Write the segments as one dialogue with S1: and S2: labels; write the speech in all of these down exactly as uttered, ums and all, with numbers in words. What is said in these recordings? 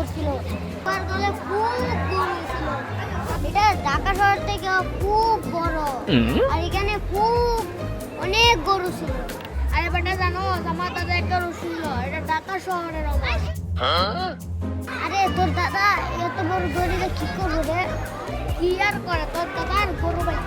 S1: করছিল। আমার গলে খুব গরম ছিল। এটা ঢাকা শহর থেকে খুব বড়, আর এখানে খুব অনেক গরু ছিল। আরে বেটা জানো, আমার দাদা একটা গরু ছিল, এটা ঢাকা শহরের আমার। আরে তোর দাদা এত বড় গরুটা কি করবে রে? কি আর করে তোর দাদার গরু ভাই?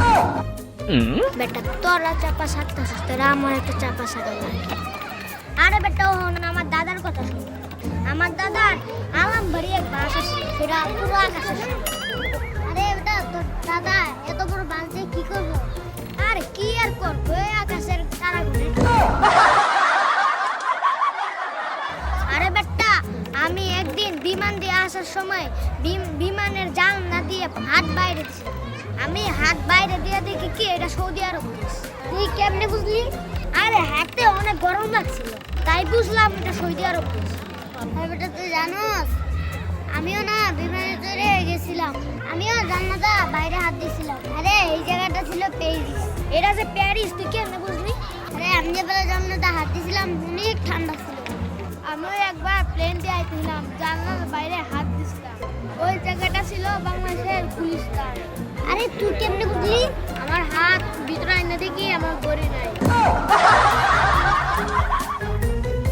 S1: বেটা তোরা চাপা সারতেছিস, তোরা আমার একটা চাপা সারা লাগে। আরে বেটা ও না, আমার দাদার কথা শোন। আমার দাদার আলাম বাড়ি এক বাস আছে, সেটা পুরো আকাশে। আরে বেটা তোর দাদা এত বড় বাসে কি করবো? আর কি আর করবো, আকাশের তারা ঘুরে। আরে বেটা আমি একদিন বিমান দিয়ে আসার সময় বিমানের জানলা দিয়ে হাত বাইরে দিছি। আমি হাত বাইরে দিয়ে দেখি কি এটা সৌদি আরব। তুই কেমনে বুঝলি? আরে হাতে অনেক গরম লাগছিল, তাই বুঝলাম এটা সৌদি আরব। আরে বেটা তুই জানোস, আমিও না বিমানে চড়ে গেছিলাম, আমিও জানলাটা বাইরে হাত দিয়েছিলাম। আরে এই জায়গাটা ছিল প্যারিস। এটা যে প্যারিস তুই কেমনে বুঝলি? আরে আমি যে বেলা জানলাটা হাত দিয়েছিলাম অনেক ঠান্ডা ছিল। আমিও একবার প্লেন দিয়ে আইছিলাম, জানলার বাইরে হাত দিয়েছিলাম, ওই জায়গাটা ছিল বাংলাদেশের গুলিস্তান। আরে তুই কেমনে বুঝলি? আমার হাত ভিতরে আইনা দেখি আমার গড়ি নাই।